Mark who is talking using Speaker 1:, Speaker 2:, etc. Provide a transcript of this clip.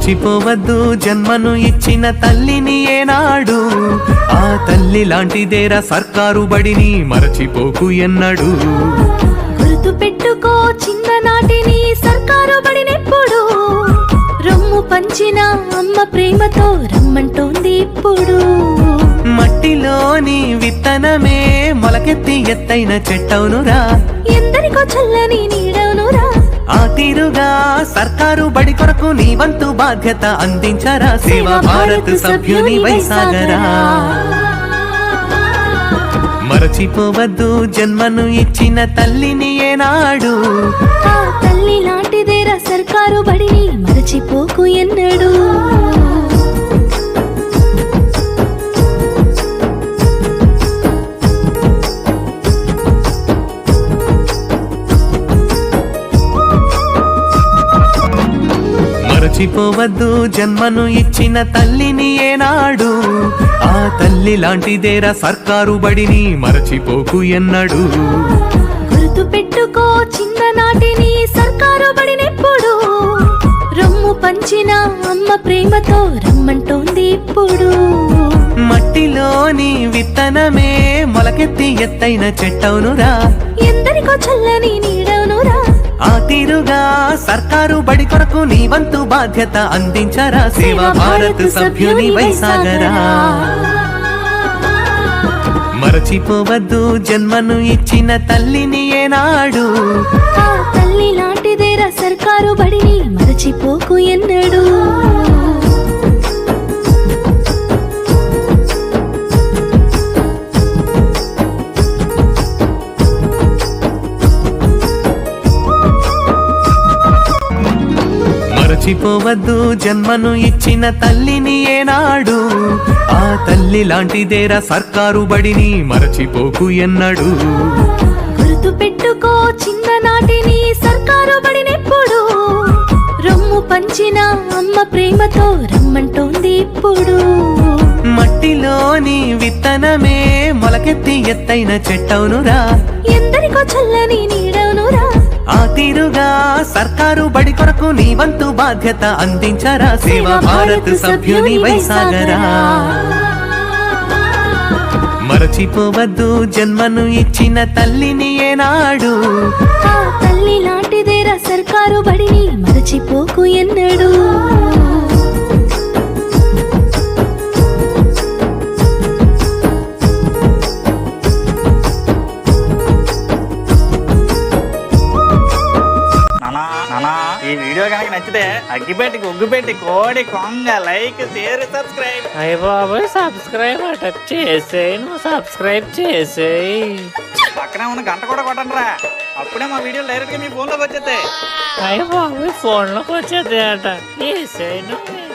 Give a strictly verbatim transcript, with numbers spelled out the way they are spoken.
Speaker 1: మరచిపోవద్దు జన్మను ఇచ్చిన తల్లిని ఏనాడు, ఆ తల్లి లాంటిదేరా సర్కారు బడిని మరచిపోకు ఎన్నడు.
Speaker 2: గుర్తు పెట్టుకో చిన్ననాటిని సర్కారు బడినెప్పుడు, రొమ్ము పంచిన అమ్మ ప్రేమతో రమ్మంటోంది ఇప్పుడు.
Speaker 1: మట్టిలోని విత్తనమే మొలకెత్తి ఎత్తైన చెట్టవునురా,
Speaker 2: ఎందరికో చల్లని నీడవునురా.
Speaker 1: ఆ తీరుగా సర్కారు బడి కొరకు నీ వంతు బాధ్యత అందించరా. సేవా భారత్ సభ్యుని వైసాగరా. మరచిపోవద్దు జన్మను ఇచ్చిన తల్లిని ఏనాడు,
Speaker 2: ఆ తల్లి లాంటిదేరా సర్కారు బడిని మరచిపోకు ఎన్నడు.
Speaker 1: మరచిపోవద్దు జన్మను ఇచ్చిన తల్లిని ఏనాడు, ఆ తల్లి లాంటిదేరా సర్కారు బడిని మరచిపోకు ఎన్నడు.
Speaker 2: గుర్తు పెట్టుకో చిన్ననాటిని సర్కారు బడినెప్పుడు, రొమ్ము పంచిన అమ్మ ప్రేమతో రమ్మంటోంది ఇప్పుడు.
Speaker 1: మట్టిలోని విత్తనమే మొలకెత్తి ఎత్తైన చెట్టవునురా,
Speaker 2: ఎందరికో చల్లని నీడవునురా.
Speaker 1: ఆ తీరుగా సర్కారు బడి కొరకు నీ వంతు బాధ్యత అందించరా. సేవా భారత్ సభ్యుని వైసాగరా. మరచిపోవద్దు జన్మను ఇచ్చిన తల్లిని ఏనాడు,
Speaker 2: ఆ తల్లి లాంటిదేరా సర్కారు బడిని మరచిపోకు ఎన్నడు.
Speaker 1: మరచిపోవద్దు జన్మను ఇచ్చిన తల్లిని ఏనాడు, ఆ తల్లి లాంటిదేరా సర్కారు బడిని మరచిపోకు ఎన్నడు.
Speaker 2: గుర్తు పెట్టుకో చిన్ననాటిని సర్కారు బడినెప్పుడు, రొమ్ము పంచిన అమ్మ ప్రేమతో రమ్మంటోంది ఇప్పుడు.
Speaker 1: మట్టిలోని విత్తనమే మొలకెత్తి ఎత్తైన చెట్టవునురా,
Speaker 2: ఎందరికో చల్లని నీడవునురా.
Speaker 1: ఆ తీరుగా సర్కారు బడి కొరకు నీ వంతు బాధ్యత అందించరా. సేవా భారత్ సభ్యుని వైసాగరా. మరచిపోవద్దు జన్మను ఇచ్చిన తల్లిని ఏనాడు,
Speaker 2: ఆ తల్లి లాంటిదేరా సర్కారు బడిని మరచిపోకు ఎన్నడు.
Speaker 3: ఈ వీడియో కనుక నచ్చితే అగ్గిపెట్టి ఉగ్గుపెట్టి కోడి కొంగ లైక్ షేర్ సబ్స్క్రైబ్.
Speaker 4: అయ్య బాబోయ్ సబ్స్క్రైబ్ అట చేసేయి, నువ్వు సబ్స్క్రైబ్ చేసేయి.
Speaker 3: పక్కనే ఉన్న గంట కూడా కొట్టండి రా, అప్పుడే మా వీడియోలు డైరెక్ట్ గా మీ ఫోన్ లోకి వచ్చేస్తాయి.
Speaker 4: అయ్య బాబోయ్ ఫోన్ లోకి వచ్చేది అట చేసేయి నువ్వు.